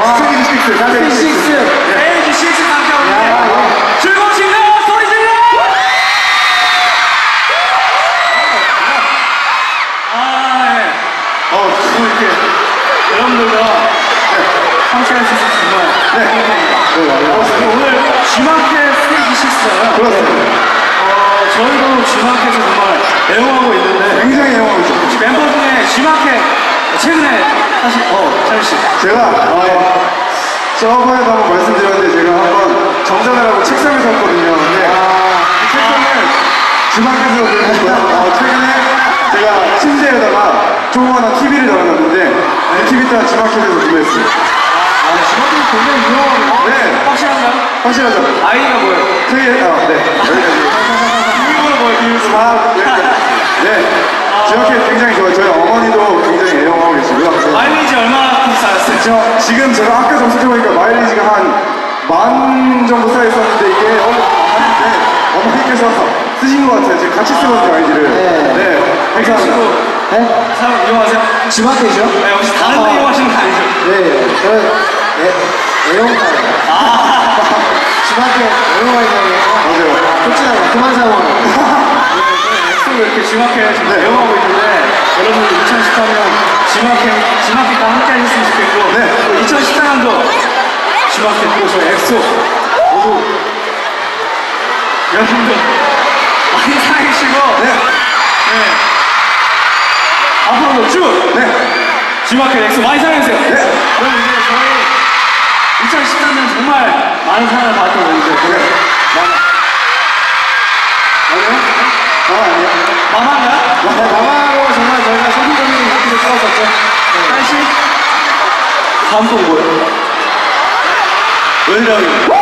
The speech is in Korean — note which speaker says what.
Speaker 1: 스테이지 6. 스테이지 6 함께 오는데 즐거운 친구 소리 질러! 이렇게 여러분들과 함께 할 수 있어서 정말 행복합니다. 오늘 G마켓 스테이지 6잖아요.
Speaker 2: 그렇습니다.
Speaker 1: 저희도 G마켓에서 정말 애용하고 있는데
Speaker 2: 굉장히 애용하고 있죠.
Speaker 1: 혹시 멤버 중에 G마켓 최근에 사실 찬우씨
Speaker 2: 제가 저번에도 한번 말씀드렸는데 제가 한번 정산을 하고 책상을 샀거든요. 근데 이 책상을 G마켓에서 구입했고요. 최근에 제가 침대에다가 조그만한 TV를 달아놨는데 이 TV 또한 G마켓에서 구매했어요.
Speaker 1: G마켓이 굉장히 유명하고
Speaker 2: 네.
Speaker 1: 확실한가요?
Speaker 2: 확실하죠?
Speaker 1: 아이디가 뭐예요?
Speaker 2: 네. 여기까지.
Speaker 1: 비밀번호 뭐예요? 비밀번호?
Speaker 2: 네. G마켓 굉장히 좋아요. 저희 어머니도 굉장히 애용하고 계시고요.
Speaker 1: 마일리지 얼마나 쌓였어요?
Speaker 2: 지금 제가 아까 검색해보니까 마일리지가 한 10,000 정도 쌓여있었는데 이게 많은데 어머니께서 쓰신 것 같아요. 지금 같이 쓰거든요, 아이디를. 네. 감사합니다.
Speaker 1: 네? 사용 이용하세요?
Speaker 3: G마켓이요?
Speaker 1: 네, 혹시 다른 데 이용하시는 거 아니죠?
Speaker 3: 네, 저는 애용가요. G마켓 애용가이잖아요.
Speaker 2: 맞아요.
Speaker 3: 좋지않아요. 그만 사용하고.
Speaker 1: 엑소 이렇게 G마켓 지금 애용하고 있는데 여러분들 2013년 G마켓과 함께 하셨으면 좋겠고
Speaker 2: 네.
Speaker 1: 2014년도 G마켓 또 저희 엑소 모두 여러분들 많이 사랑해주시고 앞으로도 쭉 G마켓 엑소 많이 사랑해주세요. 그럼 이제 저희 2014년 정말 많은 사랑을 받았던 건데 마마인가요?
Speaker 3: 마마로 정말 저희가 소품적인 인기를 끌었었죠.
Speaker 1: 다시 다음 곡 뭐예요?
Speaker 2: 왜냐면